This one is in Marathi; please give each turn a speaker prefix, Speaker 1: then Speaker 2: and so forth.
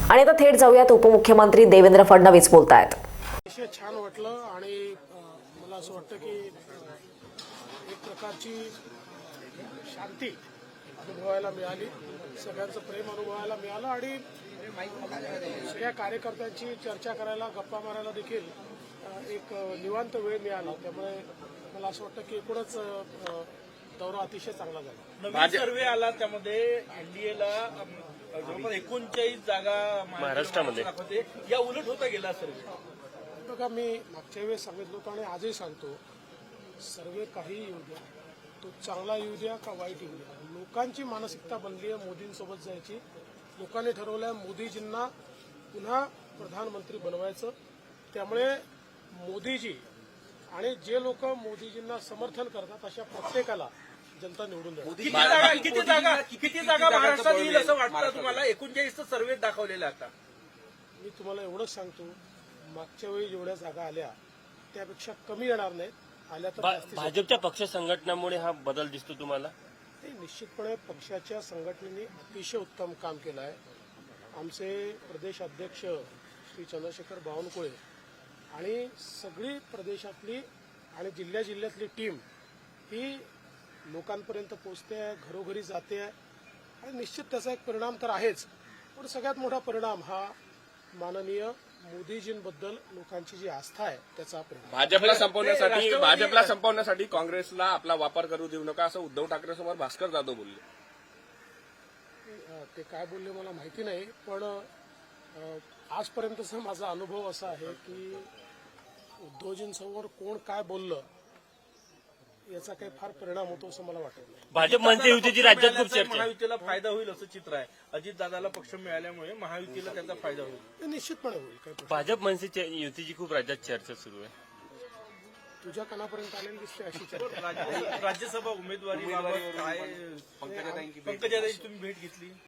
Speaker 1: आणि आता थेट जाऊयात उपमुख्यमंत्री देवेंद्र फडणवीस बोलतायत.
Speaker 2: अतिशय छान वाटलं आणि मला असं वाटतं की एक प्रकारची शांती अनुभवायला मिळाली, सगळ्यांचं प्रेम अनुभवायला मिळालं आणि सगळ्या कार्यकर्त्यांची चर्चा करायला, गप्पा मारायला देखील एक निवांत वेळ मिळाला. त्यामुळे मला असं वाटतं की एकूणच दौरा अतिशय चांगला झाला.
Speaker 3: नवीन सर्वे आला, त्यामध्ये एनडीएला जवळपास 39 जागा महाराष्ट्रामध्ये दाखवते. या उलट होता गेला सर्वे.
Speaker 2: बघा, मी मागच्या वेळेस सांगितलं होतं आणि आजही सांगतो, सर्वे काही येऊ द्या, तो चांगला येऊ द्या का वाईट येऊ द्या, लोकांची मानसिकता बनली आहे मोदींसोबत जायची. लोकांनी ठरवलं आहे मोदीजींना पुन्हा प्रधानमंत्री बनवायचं. त्यामुळे मोदीजी आणि जे लोक मोदीजींना समर्थन करतात अशा प्रत्येकाला जनता निवडून द्या.
Speaker 3: किती जागा महाराष्ट्रात येईल असं वाटतं तुम्हाला? 39 सर्वे दाखवलेला आता.
Speaker 2: मी तुम्हाला एवढंच सांगतो, मागच्या वेळी जेवढ्या जागा आल्या त्यापेक्षा कमी येणार नाहीत. आल्या तर
Speaker 4: भाजपच्या पक्ष संघटनामुळे हा बदल दिसतो तुम्हाला?
Speaker 2: निश्चितपणे पक्षाच्या संघटनेने अतिशय उत्तम काम केलं आहे. आमचे प्रदेश अध्यक्ष श्री चंद्रशेखर बावनकुळे आणि सगळी प्रदेशातली आणि जिल्ह्यातली टीम ही लोकांपर्यंत पोचते आहे, घरोघरी जाते आहे आणि निश्चित त्याचा एक परिणाम तर आहेच, पण सगळ्यात मोठा परिणाम हा माननीय मोदीजींबद्दल लोकांची जी आस्था आहे त्याचा परिणाम.
Speaker 5: भाजपला संपवण्यासाठी काँग्रेसला आपला वापर करू देऊ नका असं उद्धव ठाकरे समोर भास्कर जाधव बोलले.
Speaker 2: ते काय बोलले मला माहिती नाही, पण आजपर्यंतचा माझा अनुभव असा आहे की उद्धवजींसमोर कोण काय बोललं याचा काही फार परिणाम होतो असं मला वाटत नाही.
Speaker 4: भाजप मनसे युतीची राज्यात खूप चर्चा.
Speaker 3: महायुतीला फायदा होईल असं चित्र आहे. अजितदादाला पक्ष मिळाल्यामुळे महायुतीला त्याचा फायदा होईल.
Speaker 2: ते निश्चितपणे होईल. काही
Speaker 4: भाजप मनसे युतीची खूप राज्यात चर्चा सुरू आहे.
Speaker 2: तुझ्या कानापर्यंत आलेली दिसते अशी चर्चा.
Speaker 3: राज्यसभा उमेदवारी पंकजाताईंची तुम्ही भेट घेतली?